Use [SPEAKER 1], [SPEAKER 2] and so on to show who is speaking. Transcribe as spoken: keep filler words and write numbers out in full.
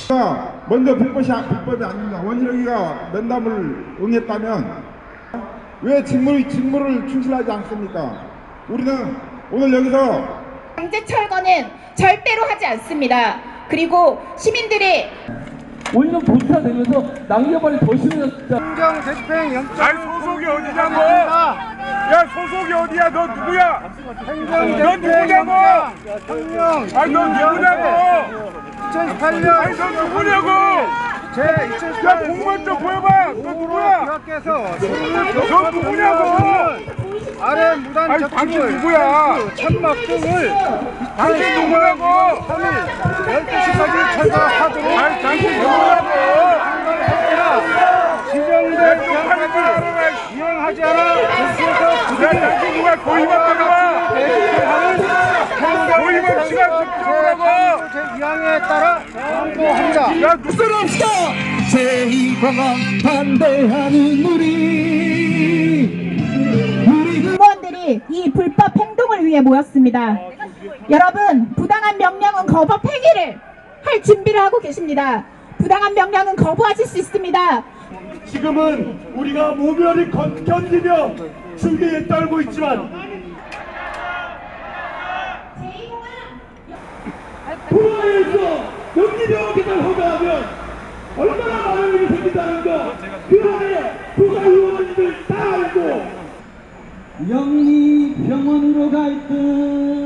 [SPEAKER 1] 먼저 불법이, 불법이 아닙니다. 원희룡이가 면담을 응했다면 왜 직무를, 직무를 충실하지 않습니까? 우리는 오늘 여기서
[SPEAKER 2] 강제 철거는 절대로 하지 않습니다. 그리고 시민들이
[SPEAKER 3] 오히려 도태되면서 낭여발이 더 심해졌다.
[SPEAKER 4] 행정 집행 영장.
[SPEAKER 5] 아니 소속이 어디냐고? 야 소속이 어디야? 너 누구야?
[SPEAKER 4] 행정
[SPEAKER 5] 너 누구냐고?
[SPEAKER 4] 혁명.
[SPEAKER 5] 아니 너 누구냐고?
[SPEAKER 4] 이천십팔 년.
[SPEAKER 5] 아니 너 누구냐고?
[SPEAKER 4] 제
[SPEAKER 5] 야
[SPEAKER 4] 이천십팔 년
[SPEAKER 5] 공무원 좀 보여봐. 너 누구야?
[SPEAKER 4] 교학께서
[SPEAKER 5] 너 누구냐고?
[SPEAKER 4] 아래 무단
[SPEAKER 5] 아니 당신 누구야?
[SPEAKER 4] 천막 등을
[SPEAKER 5] 당신 누구냐고?
[SPEAKER 4] 삼 일 열두 시까지 철거하도록
[SPEAKER 5] 아니 당신 누구냐고?
[SPEAKER 4] 지정된
[SPEAKER 5] 쪽팔린 걸 알아라.
[SPEAKER 4] 이용하지 않아
[SPEAKER 5] 야 당신 누가 고의만 들어와? 고의만 시간 집중하라고.
[SPEAKER 4] 제이 항에 따라 공고합니다.
[SPEAKER 5] 야 누구?
[SPEAKER 3] 없어 제이공원 반대하는 우리
[SPEAKER 2] 공무원들이 이 불법 행동을 위해 모였습니다. 여러분, 부당한 명령은 거부 폐기를 할 준비를 하고 계십니다. 부당한 명령은 거부하실 수 있습니다.
[SPEAKER 6] 지금은 우리가 모멸히 견디며 승리에 떨고 있지만 도로에서 연기병 계단 허가하면 얼마나 많은 일이 생긴다는 거 그 안에 부가 의원님들 다 알고
[SPEAKER 3] 영리 병원으로 갈듯